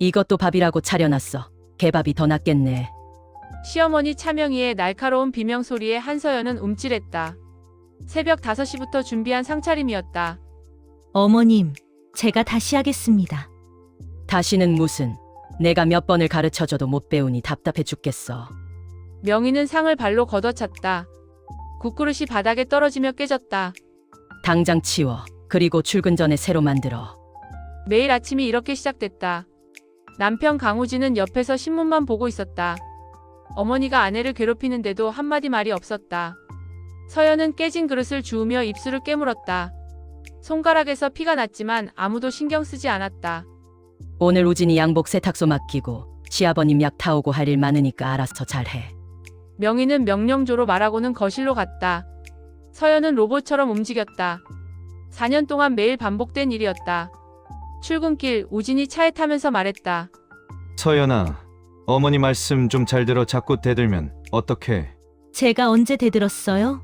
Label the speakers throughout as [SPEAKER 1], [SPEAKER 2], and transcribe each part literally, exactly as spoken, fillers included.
[SPEAKER 1] 이것도 밥이라고 차려놨어. 개밥이 더 낫겠네.
[SPEAKER 2] 시어머니 차명희의 날카로운 비명소리에 한서연은 움찔했다. 새벽 다섯 시부터 준비한 상차림이었다.
[SPEAKER 3] 어머님, 제가 다시 하겠습니다.
[SPEAKER 1] 다시는 무슨. 내가 몇 번을 가르쳐줘도 못 배우니 답답해 죽겠어.
[SPEAKER 2] 명희는 상을 발로 걷어찼다. 국그릇이 바닥에 떨어지며 깨졌다.
[SPEAKER 1] 당장 치워. 그리고 출근 전에 새로 만들어.
[SPEAKER 2] 매일 아침이 이렇게 시작됐다. 남편 강우진은 옆에서 신문만 보고 있었다. 어머니가 아내를 괴롭히는데도 한마디 말이 없었다. 서연은 깨진 그릇을 주우며 입술을 깨물었다. 손가락에서 피가 났지만 아무도 신경 쓰지 않았다.
[SPEAKER 1] 오늘 우진이 양복 세탁소 맡기고 시아버님 약 타오고 할 일 많으니까 알아서 잘해.
[SPEAKER 2] 명희는 명령조로 말하고는 거실로 갔다. 서연은 로봇처럼 움직였다. 사 년 동안 매일 반복된 일이었다. 출근길 우진이 차에 타면서 말했다.
[SPEAKER 4] 서연아, 어머니 말씀 좀 잘 들어. 자꾸 대들면 어떡해.
[SPEAKER 3] 제가 언제 대들었어요?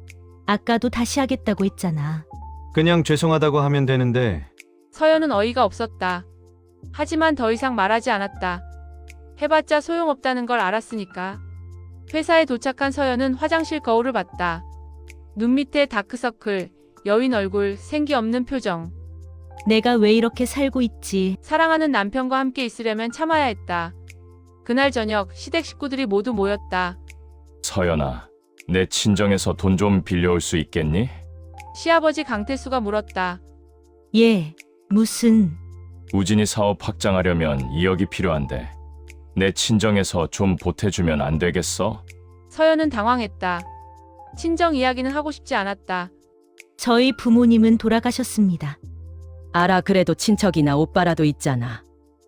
[SPEAKER 3] 아까도 다시 하겠다고 했잖아.
[SPEAKER 4] 그냥 죄송하다고 하면 되는데.
[SPEAKER 2] 서연은 어이가 없었다. 하지만 더 이상 말하지 않았다. 해봤자 소용없다는 걸 알았으니까. 회사에 도착한 서연은 화장실 거울을 봤다. 눈 밑에 다크서클, 여인 얼굴, 생기 없는 표정.
[SPEAKER 3] 내가 왜 이렇게 살고 있지?
[SPEAKER 2] 사랑하는 남편과 함께 있으려면 참아야 했다. 그날 저녁 시댁 식구들이 모두 모였다.
[SPEAKER 5] 서연아, 내 친정에서 돈 좀 빌려올 수 있겠니?
[SPEAKER 2] 시아버지 강태수가 물었다.
[SPEAKER 3] 예, 무슨...
[SPEAKER 5] 우진이 사업 확장하려면 이억이 필요한데 내 친정에서 좀 보태주면 안 되겠어?
[SPEAKER 2] 서연은 당황했다. 친정 이야기는 하고 싶지 않았다.
[SPEAKER 3] 저희 부모님은 돌아가셨습니다.
[SPEAKER 1] 알아. 그래도 친척이나 오빠라도 있잖아.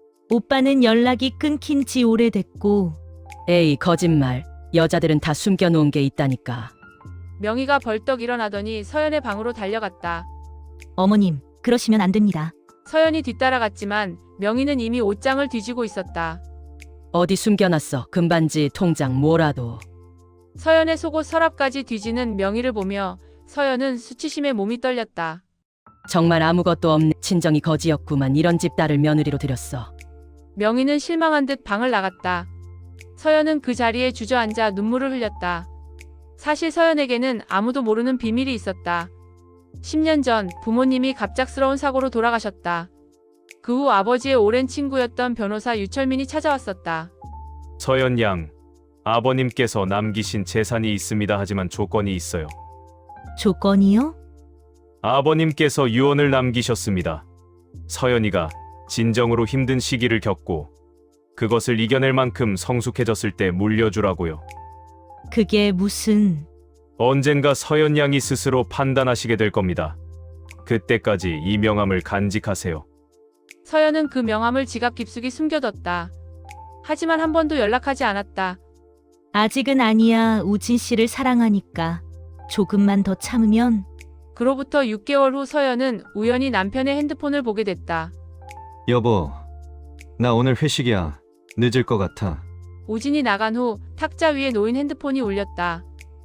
[SPEAKER 3] 오빠는 연락이 끊긴 지 오래됐고.
[SPEAKER 1] 에이, 거짓말. 여자들은 다 숨겨놓은 게 있다니까.
[SPEAKER 2] 명희가 벌떡 일어나더니 서연의 방으로 달려갔다.
[SPEAKER 3] 어머님, 그러시면 안 됩니다.
[SPEAKER 2] 서연이 뒤따라갔지만 명희는 이미 옷장을 뒤지고 있었다.
[SPEAKER 1] 어디 숨겨놨어. 금반지, 통장, 뭐라도.
[SPEAKER 2] 서연의 속옷 서랍까지 뒤지는 명희를 보며 서연은 수치심에 몸이 떨렸다.
[SPEAKER 1] 정말 아무것도 없네. 친정이 거지였구만. 이런 집 딸을 며느리로 들였어.
[SPEAKER 2] 명희는 실망한 듯 방을 나갔다. 서연은 그 자리에 주저앉아 눈물을 흘렸다. 사실 서연에게는 아무도 모르는 비밀이 있었다. 십 년 전 부모님이 갑작스러운 사고로 돌아가셨다. 그 후 아버지의 오랜 친구였던 변호사 유철민이 찾아왔었다.
[SPEAKER 6] 서연 양, 아버님께서 남기신 재산이 있습니다. 하지만 조건이 있어요.
[SPEAKER 3] 조건이요?
[SPEAKER 6] 아버님께서 유언을 남기셨습니다. 서연이가 진정으로 힘든 시기를 겪고 그것을 이겨낼 만큼 성숙해졌을 때 물려주라고요.
[SPEAKER 3] 그게 무슨...
[SPEAKER 6] 언젠가 서연 양이 스스로 판단하시게 될 겁니다. 그때까지 이 명함을 간직하세요.
[SPEAKER 2] 서연은 그 명함을 지갑 깊숙이 숨겨뒀다. 하지만 한 번도 연락하지 않았다.
[SPEAKER 3] 아직은 아니야. 우진 씨를 사랑하니까. 조금만 더 참으면...
[SPEAKER 2] 그로부터 육 개월 후 서연은 우연히 남편의 핸드폰을 보게 됐다.
[SPEAKER 4] 여보, 나 오늘 회식이야. 늦을 것 같아.
[SPEAKER 2] 우진이 나간 후 탁자 위에 놓인 핸드폰이 울렸다.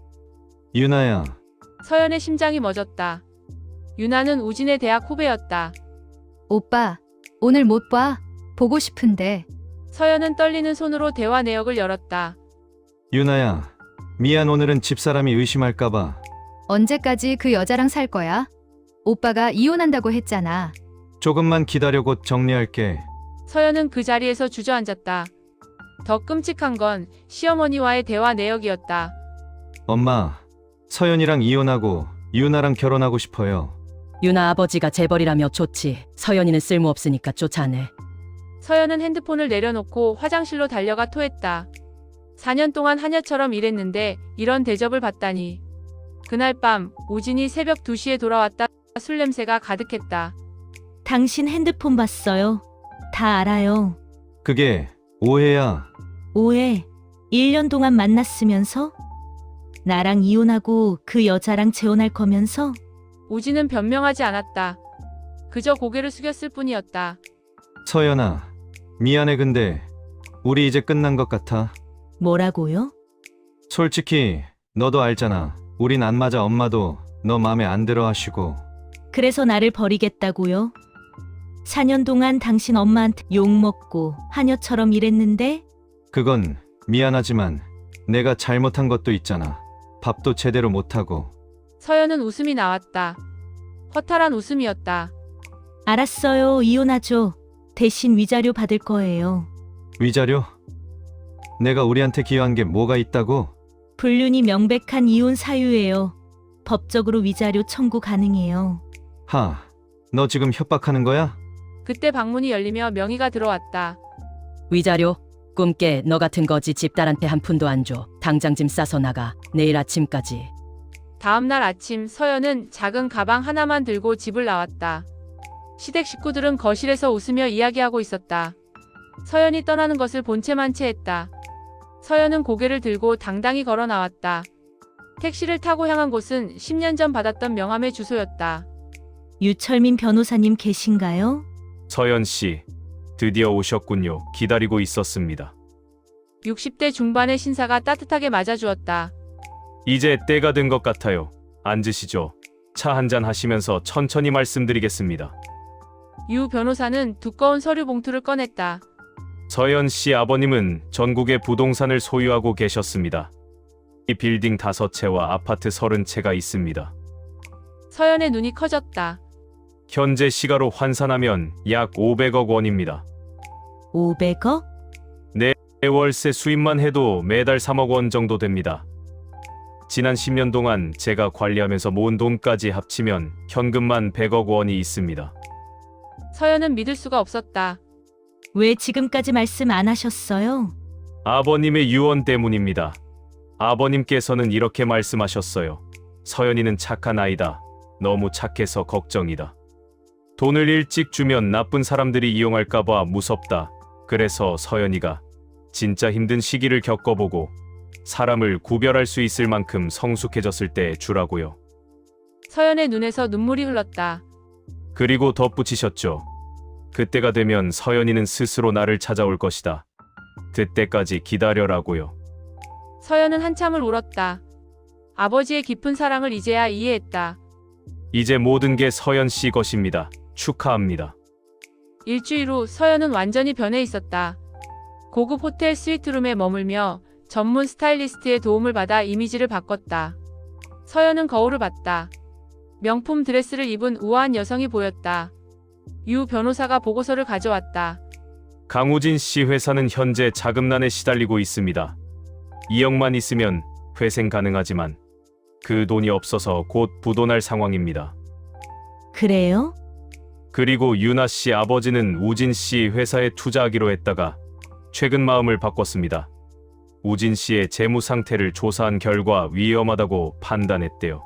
[SPEAKER 4] 유나야.
[SPEAKER 2] 서연의 심장이 멎었다. 유나는 우진의 대학 후배였다.
[SPEAKER 7] 오빠, 오늘 못 봐. 보고 싶은데.
[SPEAKER 2] 서연은 떨리는 손으로 대화 내역을 열었다.
[SPEAKER 4] 유나야. 미안. 오늘은 집사람이 의심할까봐.
[SPEAKER 7] 언제까지 그 여자랑 살 거야? 오빠가 이혼한다고 했잖아.
[SPEAKER 4] 조금만 기다려. 곧 정리할게.
[SPEAKER 2] 서연은 그 자리에서 주저앉았다. 더 끔찍한 건 시어머니와의 대화 내역이었다.
[SPEAKER 4] 엄마, 서연이랑 이혼하고 유나랑 결혼하고 싶어요.
[SPEAKER 1] 유나 아버지가 재벌이라며 좋지. 서연이는 쓸모없으니까 쫓아내.
[SPEAKER 2] 서연은 핸드폰을 내려놓고 화장실로 달려가 토했다. 사 년 동안 하녀처럼 일했는데 이런 대접을 받다니. 그날 밤 우진이 새벽 두 시에 돌아왔다. 술 냄새가 가득했다.
[SPEAKER 3] 당신 핸드폰 봤어요. 다 알아요.
[SPEAKER 4] 그게 오해야.
[SPEAKER 3] 오해. 일 년 동안 만났으면서? 나랑 이혼하고 그 여자랑 재혼할 거면서?
[SPEAKER 2] 우진은 변명하지 않았다. 그저 고개를 숙였을 뿐이었다.
[SPEAKER 4] 서연아, 미안해. 근데 우리 이제 끝난 것 같아.
[SPEAKER 3] 뭐라고요?
[SPEAKER 4] 솔직히 너도 알잖아. 우린 안 맞아. 엄마도 너 맘에 안 들어 하시고.
[SPEAKER 3] 그래서 나를 버리겠다고요? 사 년 동안 당신 엄마한테 욕먹고 하녀처럼 일했는데
[SPEAKER 4] 그건 미안하지만 내가 잘못한 것도 있잖아. 밥도 제대로 못하고.
[SPEAKER 2] 서연은 웃음이 나왔다. 허탈한 웃음이었다.
[SPEAKER 3] 알았어요. 이혼하죠. 대신 위자료 받을 거예요.
[SPEAKER 4] 위자료? 내가 우리한테 기여한 게 뭐가 있다고?
[SPEAKER 3] 불륜이 명백한 이혼 사유예요. 법적으로 위자료 청구 가능해요.
[SPEAKER 4] 하, 너 지금 협박하는 거야?
[SPEAKER 2] 그때 방문이 열리며 명희가 들어왔다.
[SPEAKER 1] 위자료? 꿈깨. 너 같은 거지 집딸한테 한 푼도 안 줘. 당장 짐 싸서 나가. 내일 아침까지.
[SPEAKER 2] 다음 날 아침 서연은 작은 가방 하나만 들고 집을 나왔다. 시댁 식구들은 거실에서 웃으며 이야기하고 있었다. 서연이 떠나는 것을 본체만 채했다. 서연은 고개를 들고 당당히 걸어 나왔다. 택시를 타고 향한 곳은 십 년 전 받았던 명함의 주소였다.
[SPEAKER 3] 유철민 변호사님 계신가요?
[SPEAKER 6] 서연 씨, 드디어 오셨군요. 기다리고 있었습니다.
[SPEAKER 2] 육십 대 중반의 신사가 따뜻하게 맞아주었다.
[SPEAKER 6] 이제 때가 된 것 같아요. 앉으시죠. 차 한잔 하시면서 천천히 말씀드리겠습니다.
[SPEAKER 2] 유 변호사는 두꺼운 서류 봉투를 꺼냈다.
[SPEAKER 6] 서연 씨 아버님은 전국의 부동산을 소유하고 계셨습니다. 이 빌딩 다섯 채와 아파트 서른 채가 있습니다.
[SPEAKER 2] 서연의 눈이 커졌다.
[SPEAKER 6] 현재 시가로 환산하면 약 오백억 원입니다.
[SPEAKER 3] 오백억?
[SPEAKER 6] 월세 수입만 해도 매달 삼억 원 정도 됩니다. 지난 십 년 동안 제가 관리하면서 모은 돈까지 합치면 현금만 백억 원이 있습니다.
[SPEAKER 2] 서연은 믿을 수가 없었다.
[SPEAKER 3] 왜 지금까지 말씀 안 하셨어요?
[SPEAKER 6] 아버님의 유언 때문입니다. 아버님께서는 이렇게 말씀하셨어요. 서연이는 착한 아이다. 너무 착해서 걱정이다. 돈을 일찍 주면 나쁜 사람들이 이용할까봐 무섭다. 그래서 서연이가 진짜 힘든 시기를 겪어보고 사람을 구별할 수 있을 만큼 성숙해졌을 때 주라고요.
[SPEAKER 2] 서연의 눈에서 눈물이 흘렀다.
[SPEAKER 6] 그리고 덧붙이셨죠. 그때가 되면 서연이는 스스로 나를 찾아올 것이다. 그때까지 기다려라고요.
[SPEAKER 2] 서연은 한참을 울었다. 아버지의 깊은 사랑을 이제야 이해했다.
[SPEAKER 6] 이제 모든 게 서연 씨 것입니다. 축하합니다.
[SPEAKER 2] 일주일 후 서연은 완전히 변해 있었다. 고급 호텔 스위트룸에 머물며 전문 스타일리스트의 도움을 받아 이미지를 바꿨다. 서연은 거울을 봤다. 명품 드레스를 입은 우아한 여성이 보였다. 유 변호사가 보고서를 가져왔다.
[SPEAKER 6] 강우진 씨 회사는 현재 자금난에 시달리고 있습니다. 이억만 있으면 회생 가능하지만 그 돈이 없어서 곧 부도날 상황입니다.
[SPEAKER 3] 그래요?
[SPEAKER 6] 그리고 유나 씨 아버지는 우진 씨 회사에 투자하기로 했다가 최근 마음을 바꿨습니다. 우진 씨의 재무 상태를 조사한 결과 위험하다고 판단했대요.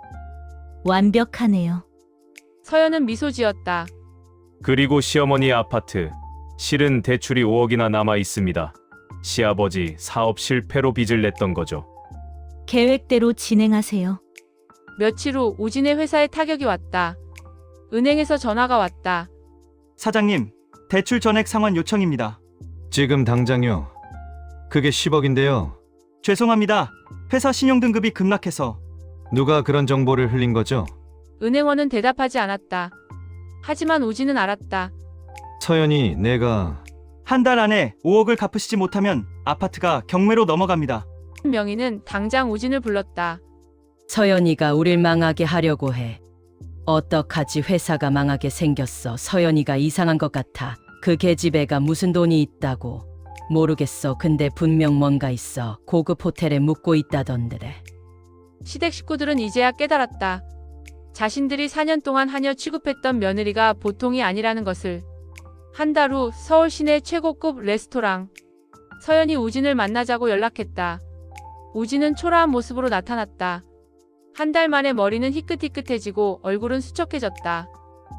[SPEAKER 3] 완벽하네요.
[SPEAKER 2] 서연은 미소 지었다.
[SPEAKER 6] 그리고 시어머니 아파트, 실은 대출이 오억이나 남아 있습니다. 시아버지 사업 실패로 빚을 냈던 거죠.
[SPEAKER 3] 계획대로 진행하세요.
[SPEAKER 2] 며칠 후 우진의 회사에 타격이 왔다. 은행에서 전화가 왔다.
[SPEAKER 8] 사장님, 대출 전액 상환 요청입니다.
[SPEAKER 4] 지금 당장요. 그게 십억인데요.
[SPEAKER 8] 죄송합니다. 회사 신용등급이 급락해서.
[SPEAKER 4] 누가 그런 정보를 흘린 거죠?
[SPEAKER 2] 은행원은 대답하지 않았다. 하지만 우진은 알았다.
[SPEAKER 4] 서연이 내가
[SPEAKER 8] 한 달 안에 오억을 갚으시지 못하면 아파트가 경매로 넘어갑니다.
[SPEAKER 2] 명희는 당장 우진을 불렀다.
[SPEAKER 1] 서연이가 우릴 망하게 하려고 해. 어떡하지? 회사가 망하게 생겼어. 서연이가 이상한 것 같아. 그 계집애가 무슨 돈이 있다고. 모르겠어. 근데 분명 뭔가 있어. 고급 호텔에 묵고 있다던데.
[SPEAKER 2] 시댁 식구들은 이제야 깨달았다. 자신들이 사 년 동안 하녀 취급했던 며느리가 보통이 아니라는 것을. 한 달 후 서울 시내 최고급 레스토랑. 서연이 우진을 만나자고 연락했다. 우진은 초라한 모습으로 나타났다. 한 달 만에 머리는 희끗희끗해지고 얼굴은 수척해졌다.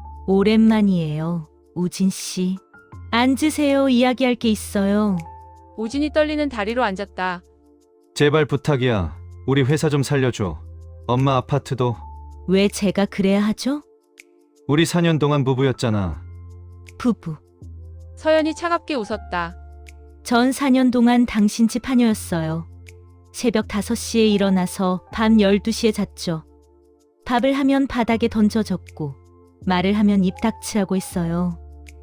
[SPEAKER 3] 오랜만이에요. 우진 씨. 앉으세요. 이야기할 게 있어요.
[SPEAKER 2] 우진이 떨리는 다리로 앉았다.
[SPEAKER 4] 제발 부탁이야. 우리 회사 좀 살려줘. 엄마 아파트도.
[SPEAKER 3] 왜 제가 그래야 하죠?
[SPEAKER 4] 우리 사 년 동안 부부였잖아.
[SPEAKER 3] 부부.
[SPEAKER 2] 서연이 차갑게 웃었다.
[SPEAKER 3] 전 사 년 동안 당신 집 하녀였어요. 새벽 다섯 시에 일어나서 밤 열두 시에 잤죠. 밥을 하면 바닥에 던져졌고 말을 하면 입 닥치라고 했어요.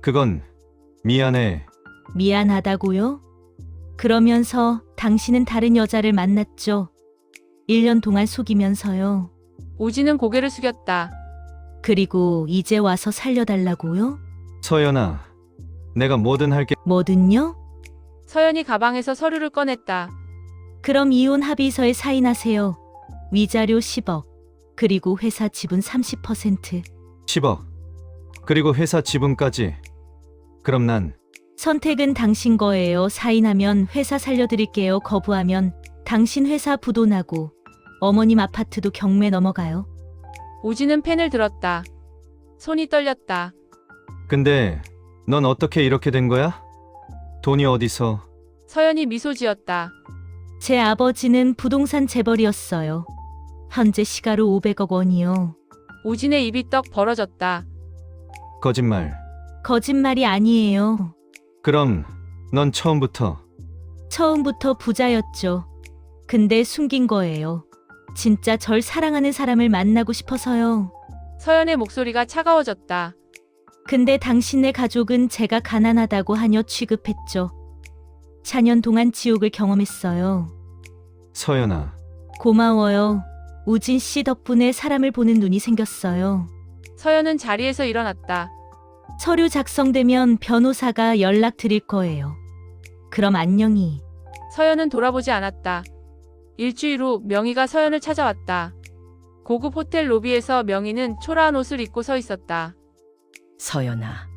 [SPEAKER 4] 그건 미안해.
[SPEAKER 3] 미안하다고요? 그러면서 당신은 다른 여자를 만났죠. 일 년 동안 속이면서요.
[SPEAKER 2] 우진은 고개를 숙였다.
[SPEAKER 3] 그리고 이제 와서 살려달라고요?
[SPEAKER 4] 서연아, 내가 뭐든 할게.
[SPEAKER 3] 뭐든요?
[SPEAKER 2] 서연이 가방에서 서류를 꺼냈다.
[SPEAKER 3] 그럼 이혼 합의서에 사인하세요. 위자료 십억, 그리고 회사 지분 삼십 퍼센트.
[SPEAKER 4] 십억. 그리고 회사 지분까지. 그럼 난
[SPEAKER 3] 선택은 당신 거예요. 사인하면 회사 살려드릴게요. 거부하면 당신 회사 부도 나고 어머님 아파트도 경매 넘어가요.
[SPEAKER 2] 우진은 펜을 들었다. 손이 떨렸다.
[SPEAKER 4] 근데 넌 어떻게 이렇게 된 거야? 돈이 어디서?
[SPEAKER 2] 서연이 미소 지었다.
[SPEAKER 3] 제 아버지는 부동산 재벌이었어요. 현재 시가로 오백억 원이요.
[SPEAKER 2] 우진의 입이 떡 벌어졌다.
[SPEAKER 4] 거짓말.
[SPEAKER 3] 거짓말이 아니에요.
[SPEAKER 4] 그럼 넌 처음부터
[SPEAKER 3] 처음부터 부자였죠. 근데 숨긴 거예요. 진짜 절 사랑하는 사람을 만나고 싶어서요.
[SPEAKER 2] 서연의 목소리가 차가워졌다.
[SPEAKER 3] 근데 당신네 가족은 제가 가난하다고 하녀 취급했죠. 사 년 동안 지옥을 경험했어요.
[SPEAKER 4] 서연아.
[SPEAKER 3] 고마워요. 우진 씨 덕분에 사람을 보는 눈이 생겼어요.
[SPEAKER 2] 서연은 자리에서 일어났다.
[SPEAKER 3] 서류 작성되면 변호사가 연락 드릴 거예요. 그럼 안녕히.
[SPEAKER 2] 서연은 돌아보지 않았다. 일주일 후 명희가 서연을 찾아왔다. 고급 호텔 로비에서 명희는 초라한 옷을 입고 서 있었다.
[SPEAKER 1] 서연아,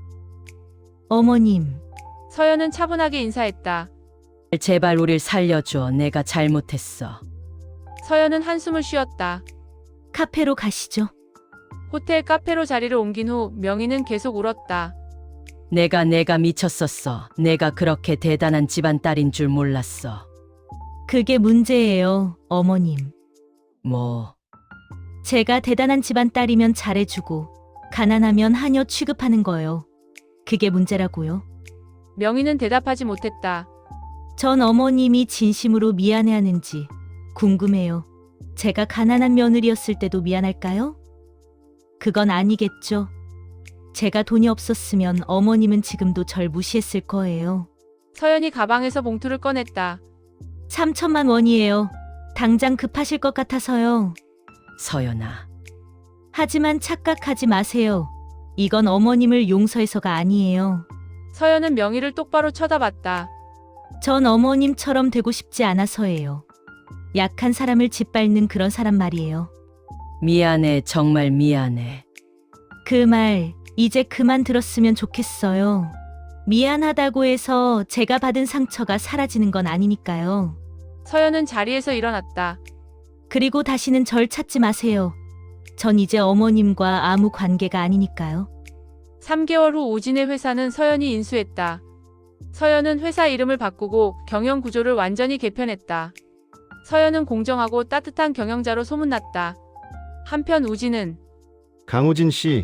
[SPEAKER 3] 어머님,
[SPEAKER 2] 서연은 차분하게 인사했다.
[SPEAKER 1] 제발 우릴 살려줘. 내가 잘못했어.
[SPEAKER 2] 서연은 한숨을 쉬었다.
[SPEAKER 3] 카페로 가시죠.
[SPEAKER 2] 호텔 카페로 자리를 옮긴 후 명희는 계속 울었다.
[SPEAKER 1] 내가 내가 미쳤었어. 내가 그렇게 대단한 집안 딸인 줄 몰랐어.
[SPEAKER 3] 그게 문제예요, 어머님.
[SPEAKER 1] 뭐,
[SPEAKER 3] 제가 대단한 집안 딸이면 잘해주고 가난하면 하녀 취급하는 거요. 그게 문제라고요.
[SPEAKER 2] 명희는 대답하지 못했다.
[SPEAKER 3] 전 어머님이 진심으로 미안해하는지 궁금해요. 제가 가난한 며느리였을 때도 미안할까요? 그건 아니겠죠. 제가 돈이 없었으면 어머님은 지금도 절 무시했을 거예요.
[SPEAKER 2] 서연이 가방에서 봉투를 꺼냈다.
[SPEAKER 3] 삼천만 원이에요. 당장 급하실 것 같아서요.
[SPEAKER 1] 서연아,
[SPEAKER 3] 하지만 착각하지 마세요. 이건 어머님을 용서해서가 아니에요.
[SPEAKER 2] 서연은 명희를 똑바로 쳐다봤다.
[SPEAKER 3] 전 어머님처럼 되고 싶지 않아서예요. 약한 사람을 짓밟는 그런 사람 말이에요.
[SPEAKER 1] 미안해. 정말 미안해.
[SPEAKER 3] 그 말 이제 그만 들었으면 좋겠어요. 미안하다고 해서 제가 받은 상처가 사라지는 건 아니니까요.
[SPEAKER 2] 서연은 자리에서 일어났다.
[SPEAKER 3] 그리고 다시는 절 찾지 마세요. 전 이제 어머님과 아무 관계가 아니니까요.
[SPEAKER 2] 삼 개월 후 우진의 회사는 서연이 인수했다. 서연은 회사 이름을 바꾸고 경영 구조를 완전히 개편했다. 서연은 공정하고 따뜻한 경영자로 소문났다. 한편 우진은
[SPEAKER 9] 강우진 씨,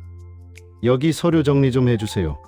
[SPEAKER 9] 여기 서류 정리 좀 해주세요.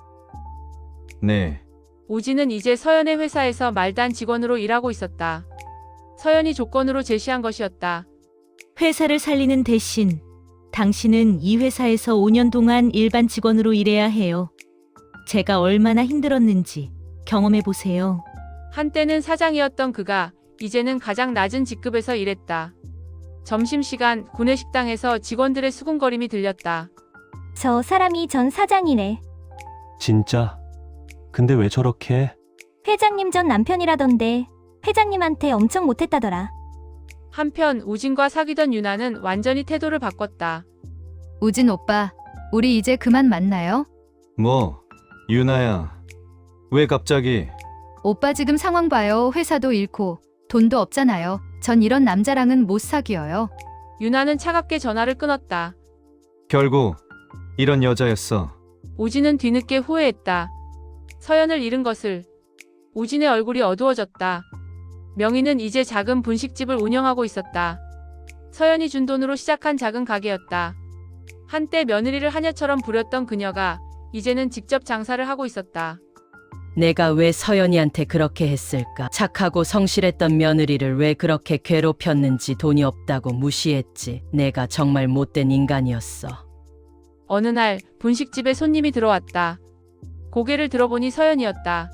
[SPEAKER 4] 네.
[SPEAKER 2] 우진은 이제 서연의 회사에서 말단 직원으로 일하고 있었다. 서연이 조건으로 제시한 것이었다.
[SPEAKER 3] 회사를 살리는 대신 당신은 이 회사에서 오 년 동안 일반 직원으로 일해야 해요. 제가 얼마나 힘들었는지 경험해 보세요.
[SPEAKER 2] 한때는 사장이었던 그가 이제는 가장 낮은 직급에서 일했다. 점심시간 구내식당에서 직원들의 수군거림이 들렸다.
[SPEAKER 10] 저 사람이 전 사장이래.
[SPEAKER 11] 진짜? 근데 왜 저렇게 해?
[SPEAKER 10] 회장님 전 남편이라던데 회장님한테 엄청 못했다더라.
[SPEAKER 2] 한편 우진과 사귀던 유나는 완전히 태도를 바꿨다.
[SPEAKER 7] 우진 오빠, 우리 이제 그만 만나요?
[SPEAKER 4] 뭐, 유나야. 왜 갑자기?
[SPEAKER 7] 오빠 지금 상황 봐요. 회사도 잃고 돈도 없잖아요. 전 이런 남자랑은 못 사귀어요.
[SPEAKER 2] 유나는 차갑게 전화를 끊었다.
[SPEAKER 4] 결국 이런 여자였어.
[SPEAKER 2] 우진은 뒤늦게 후회했다. 서연을 잃은 것을. 우진의 얼굴이 어두워졌다. 명희는 이제 작은 분식집을 운영하고 있었다. 서연이 준 돈으로 시작한 작은 가게였다. 한때 며느리를 하녀처럼 부렸던 그녀가 이제는 직접 장사를 하고 있었다.
[SPEAKER 1] 내가 왜 서연이한테 그렇게 했을까? 착하고 성실했던 며느리를 왜 그렇게 괴롭혔는지. 돈이 없다고 무시했지. 내가 정말 못된 인간이었어.
[SPEAKER 2] 어느 날 분식집에 손님이 들어왔다. 고개를 들어보니 서연이었다.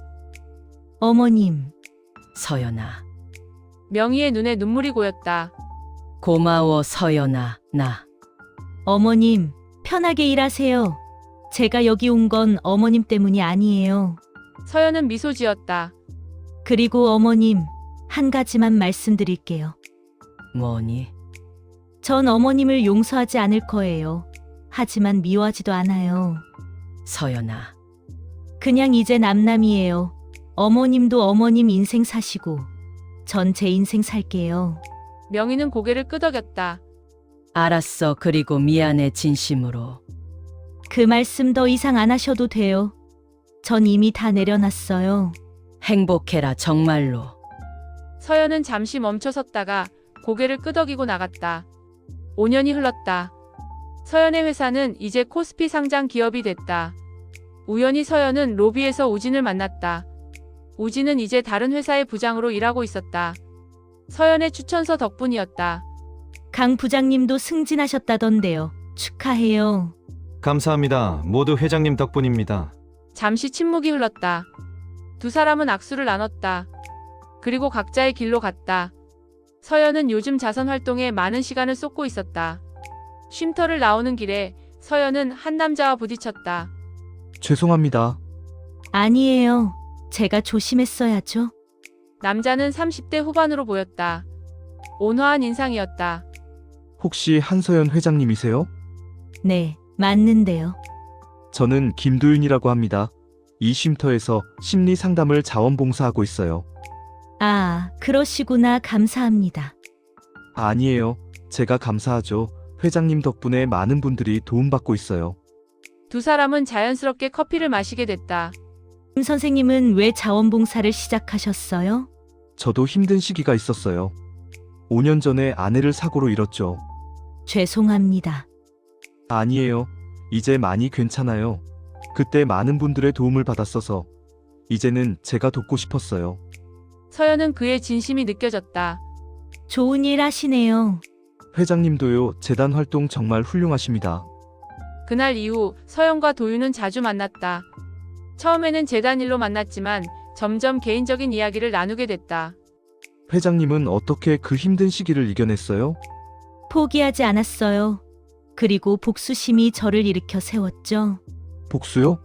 [SPEAKER 3] 어머님,
[SPEAKER 1] 서연아.
[SPEAKER 2] 명희의 눈에 눈물이 고였다.
[SPEAKER 1] 고마워, 서연아. 나.
[SPEAKER 3] 어머님, 편하게 일하세요. 제가 여기 온 건 어머님 때문이 아니에요.
[SPEAKER 2] 서연은 미소 지었다.
[SPEAKER 3] 그리고 어머님, 한 가지만 말씀드릴게요.
[SPEAKER 1] 뭐니?
[SPEAKER 3] 전 어머님을 용서하지 않을 거예요. 하지만 미워하지도 않아요.
[SPEAKER 1] 서연아.
[SPEAKER 3] 그냥 이제 남남이에요. 어머님도 어머님 인생 사시고 전 제 인생 살게요.
[SPEAKER 2] 명희는 고개를 끄덕였다.
[SPEAKER 1] 알았어. 그리고 미안해, 진심으로.
[SPEAKER 3] 그 말씀 더 이상 안 하셔도 돼요. 전 이미 다 내려놨어요.
[SPEAKER 1] 행복해라, 정말로.
[SPEAKER 2] 서연은 잠시 멈춰섰다가 고개를 끄덕이고 나갔다. 오 년이 흘렀다. 서연의 회사는 이제 코스피 상장 기업이 됐다. 우연히 서연은 로비에서 우진을 만났다. 우진은 이제 다른 회사의 부장으로 일하고 있었다. 서연의 추천서 덕분이었다.
[SPEAKER 3] 강 부장님도 승진하셨다던데요. 축하해요.
[SPEAKER 4] 감사합니다. 모두 회장님 덕분입니다.
[SPEAKER 2] 잠시 침묵이 흘렀다. 두 사람은 악수를 나눴다. 그리고 각자의 길로 갔다. 서연은 요즘 자선 활동에 많은 시간을 쏟고 있었다. 쉼터를 나오는 길에 서연은 한 남자와 부딪혔다.
[SPEAKER 8] 죄송합니다.
[SPEAKER 3] 아니에요. 제가 조심했어야죠.
[SPEAKER 2] 남자는 삼십 대 후반으로 보였다. 온화한 인상이었다.
[SPEAKER 8] 혹시 한서연 회장님이세요?
[SPEAKER 3] 네, 맞는데요.
[SPEAKER 8] 저는 김도윤이라고 합니다. 이 쉼터에서 심리 상담을 자원봉사하고 있어요.
[SPEAKER 3] 아, 그러시구나. 감사합니다.
[SPEAKER 8] 아니에요. 제가 감사하죠. 회장님 덕분에 많은 분들이 도움받고 있어요.
[SPEAKER 2] 두 사람은 자연스럽게 커피를 마시게 됐다.
[SPEAKER 3] 김 선생님은 왜 자원봉사를 시작하셨어요?
[SPEAKER 8] 저도 힘든 시기가 있었어요. 오 년 전에 아내를 사고로 잃었죠.
[SPEAKER 3] 죄송합니다.
[SPEAKER 8] 아니에요. 이제 많이 괜찮아요. 그때 많은 분들의 도움을 받았어서 이제는 제가 돕고 싶었어요.
[SPEAKER 2] 서연은 그의 진심이 느껴졌다.
[SPEAKER 3] 좋은 일 하시네요.
[SPEAKER 8] 회장님도요. 재단 활동 정말 훌륭하십니다.
[SPEAKER 2] 그날 이후 서연과 도윤은 자주 만났다. 처음에는 재단 일로 만났지만 점점 개인적인 이야기를 나누게 됐다.
[SPEAKER 8] 회장님은 어떻게 그 힘든 시기를 이겨냈어요?
[SPEAKER 3] 포기하지 않았어요. 그리고 복수심이 저를 일으켜 세웠죠.
[SPEAKER 8] 복수요?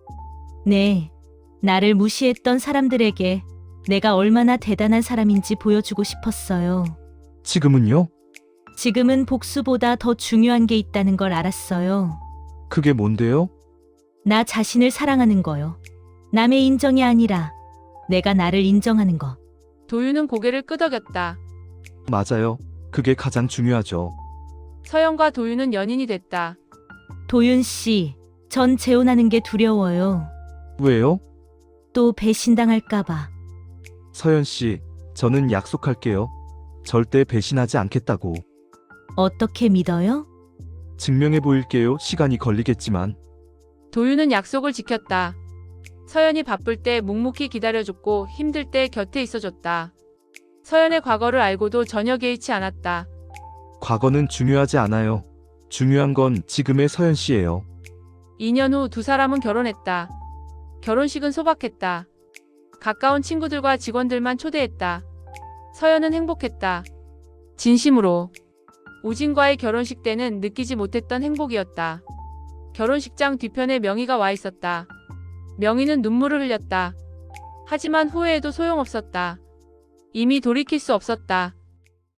[SPEAKER 3] 네. 나를 무시했던 사람들에게 내가 얼마나 대단한 사람인지 보여주고 싶었어요.
[SPEAKER 8] 지금은요?
[SPEAKER 3] 지금은 복수보다 더 중요한 게 있다는 걸 알았어요.
[SPEAKER 8] 그게 뭔데요?
[SPEAKER 3] 나 자신을 사랑하는 거요. 남의 인정이 아니라 내가 나를 인정하는 거.
[SPEAKER 2] 도윤은 고개를 끄덕였다.
[SPEAKER 8] 맞아요. 그게 가장 중요하죠.
[SPEAKER 2] 서연과 도윤은 연인이 됐다.
[SPEAKER 3] 도윤 씨, 전 재혼하는 게 두려워요.
[SPEAKER 8] 왜요?
[SPEAKER 3] 또 배신당할까봐.
[SPEAKER 8] 서연 씨, 저는 약속할게요. 절대 배신하지 않겠다고.
[SPEAKER 3] 어떻게 믿어요?
[SPEAKER 8] 증명해 보일게요. 시간이 걸리겠지만.
[SPEAKER 2] 도윤은 약속을 지켰다. 서연이 바쁠 때 묵묵히 기다려줬고 힘들 때 곁에 있어줬다. 서연의 과거를 알고도 전혀 개의치 않았다.
[SPEAKER 8] 과거는 중요하지 않아요. 중요한 건 지금의 서연 씨예요.
[SPEAKER 2] 이 년 후 두 사람은 결혼했다. 결혼식은 소박했다. 가까운 친구들과 직원들만 초대했다. 서연은 행복했다. 진심으로. 우진과의 결혼식 때는 느끼지 못했던 행복이었다. 결혼식장 뒤편에 명희가 와 있었다. 명희는 눈물을 흘렸다. 하지만 후회해도 소용없었다. 이미 돌이킬 수 없었다.